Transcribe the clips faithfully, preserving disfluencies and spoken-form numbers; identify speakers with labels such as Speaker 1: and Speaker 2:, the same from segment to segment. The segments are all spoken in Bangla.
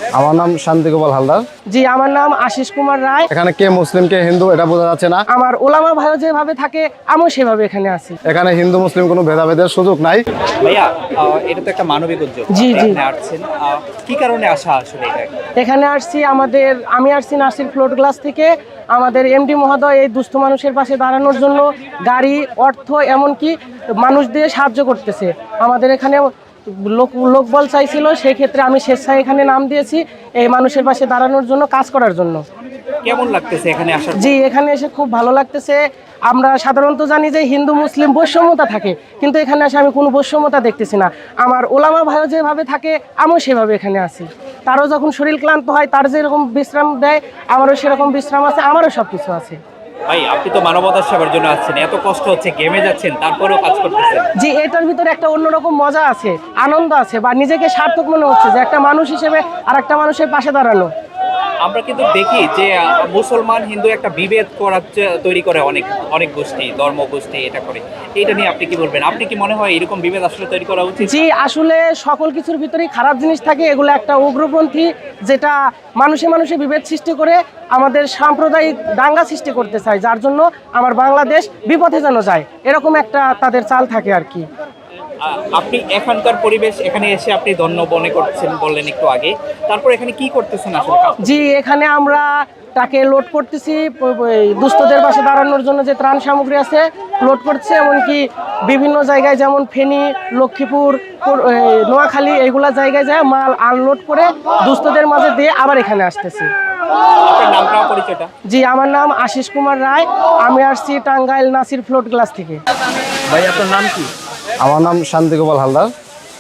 Speaker 1: আমার নাম শান্তি গোপাল হালদার।
Speaker 2: জি, আমার নাম আশিস কুমার রায়।
Speaker 1: এখানে কে মুসলিম কে হিন্দু এটা বোঝা যাচ্ছে না।
Speaker 2: আমার ওলামা ভাইও যেভাবে থাকে আমিও সেভাবে এখানে আছি।
Speaker 1: এখানে হিন্দু মুসলিম কোনো ভেদাভেদের সুযোগ নাই।
Speaker 3: ভাইয়া আহ, এটা তো একটা মানবিক উদ্যোগ।
Speaker 2: জি,
Speaker 3: আপনি
Speaker 2: জি।
Speaker 3: এখানে আসছেন আহ, কি কারণে আসা আসলে এটা?
Speaker 2: এখানে আসছি আমাদের আমি আসছি নাসির ফ্লোট গ্লাস থেকে। আমাদের এমডি মহোদয় এই দুস্থ মানুষের পাশে দাঁড়ানোর জন্য গাড়ি, অর্থ, এমনকি মানুষ দিয়ে সাহায্য করতেছে। আমাদের এখানে লোক লোকবল চাইছিল, সেই ক্ষেত্রে আমি স্বেচ্ছায় এখানে নাম দিয়েছি এই মানুষের পাশে দাঁড়ানোর জন্য, কাজ করার জন্য।
Speaker 3: কেমন লাগতেছে এখানে আসার পর?
Speaker 2: জি, এখানে এসে খুব ভালো লাগতেছে। আমরা সাধারণত জানি যে হিন্দু মুসলিম বৈষম্যতা থাকে, কিন্তু এখানে এসে আমি কোনো বৈষম্যতা দেখতেছি না। আমার ওলামা ভাইও যেভাবে থাকে আমিও সেভাবে এখানে আছি। তারও যখন শরীর ক্লান্ত হয়, তার যেরকম বিশ্রাম দেয় আমারও সেরকম বিশ্রাম আছে, আমারও সব কিছু আছে।
Speaker 3: ভাই আপনি তো মানবতার সেবার জন্য আসছেন, এত কষ্ট হচ্ছে, গেমে যাচ্ছেন, তারপরেও কাজ করতেছেন।
Speaker 2: জি, এটার ভিতরে একটা অন্যরকম মজা আছে, আনন্দ আছে, বা নিজেকে সার্থক মনে হচ্ছে যে একটা মানুষ হিসেবে আর একটা মানুষের পাশে দাঁড়ানো।
Speaker 3: আমরা কিন্তু দেখি যে আহ, মুসলমান হিন্দু একটা বিভেদ করার চে- তৈরি করে অনেক অনেক গোষ্ঠী, ধর্ম গোষ্ঠী এটা করে। এটা নিয়ে আপনি কি বলবেন? আপনি কি মনে হয় এরকম বিভেদ আসলে তৈরি করা উচিত?
Speaker 2: জি, আসলে সকল কিছুর ভিতরেই খারাপ জিনিস থাকে। এগুলো একটা উগ্রপন্থী, যেটা মানুষে মানুষে বিভেদ সৃষ্টি করে আমাদের সাম্প্রদায়িক দাঙ্গা সৃষ্টি করতে চায়, যার জন্য আমার বাংলাদেশ বিপথে যেন যায়, এরকম একটা তাদের চাল থাকে আর কি।
Speaker 3: আহ, আপনি এখানকার পরিবেশ, এখানে এসে আপনি ধন্য মনে করছেন বললেন একটু আগে, তারপর এখানে কি করতেছেন আসলে?
Speaker 2: জি, এখানে আমরা তাকে লোড করতেছি, প- প- এই দুস্থদের পাশে দাঁড়ানোর জন্য যে ত্রাণ সামগ্রী আছে লোড করছে, এমনকি বিভিন্ন জায়গায় যেমন ফেনী, লক্ষ্মীপুর, পুর- এই নোয়াখালী, এইগুলা জায়গায় যায় মাল আনলোড করে দুস্থদের মাঝে দিয়ে আবার এখানে আসতেছি।
Speaker 3: আপনার নামটা পরিচয়টা?
Speaker 2: জি, আমার নাম আশিস কুমার রায়। আমি আসছি টাঙ্গাইল নাসির ফ্লোট গ্লাস থেকে।
Speaker 3: ভাই আপনার নাম কি?
Speaker 1: আমার নাম শান্তি গোপাল হালদার।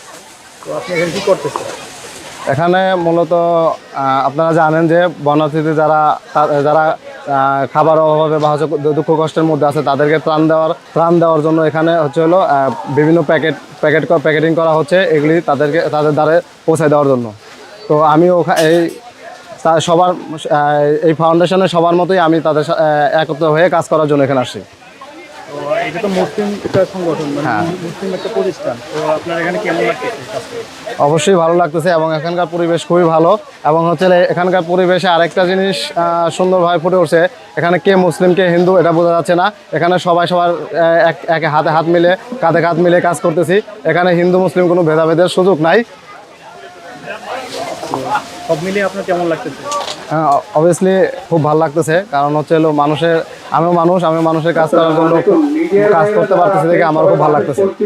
Speaker 3: তো আপনি এখানে কি করতেছেন?
Speaker 1: এখানে মূলত আহ, আপনারা জানেন যে বন্যার্থীদের যারা তা- যারা আহ, খাবার অভাবে বা হচ্ছে দুঃখ কষ্টের মধ্যে আছে তাদেরকে ত্রাণ দেওয়ার ত্রাণ দেওয়ার জন্য এখানে হচ্ছে হলো আহ, বিভিন্ন প্যাকেট প্যাকেট প্যাকেটিং করা হচ্ছে, এগুলি তাদেরকে তাদের দ্বারে পৌঁছে দেওয়ার জন্য। তো আমি ওখানে এই তা- সবার আহ, এই ফাউন্ডেশনের সবার মতোই আমি তাদের সা- আহ, একত্র হয়ে কাজ করার জন্য এখানে আসছি।
Speaker 4: এটা তো মুসলিম একটা সংগঠন, মানে
Speaker 1: হ্যাঁ।
Speaker 4: মুসলিম একটা প্রতিষ্ঠান। তো আপনার এখানে কেমন লাগতেছে কাজ করে?
Speaker 1: অবশ্যই ভালো লাগতেছে এবং এখানকার পরিবেশ খুবই ভালো। এবং হচ্ছে এখানকার পরিবেশে আরেকটা জিনিস আহ, সুন্দরভাবে ফুটে উঠছে, এখানে কে মুসলিম কে হিন্দু এটা বোঝা যাচ্ছে না। এখানে সবাই সবার আহ, এক এক হাতে হাত মিলে কাঁধে কাঁধ মিলে কাজ করতেছি। এখানে হিন্দু মুসলিম কোনো ভেদাভেদের সুযোগ নাই।
Speaker 4: সব মিলিয়ে আপনার কেমন লাগতেছে?
Speaker 1: অবভিয়াসলি খুব ভালো লাগতেছে, কারণ হচ্ছে হলো মানুষের আমিও মানুষ আমিও মানুষের কাজ করার জন্য কাজ করতে পারতেছি দেখে আমার খুব ভালো লাগতেছে।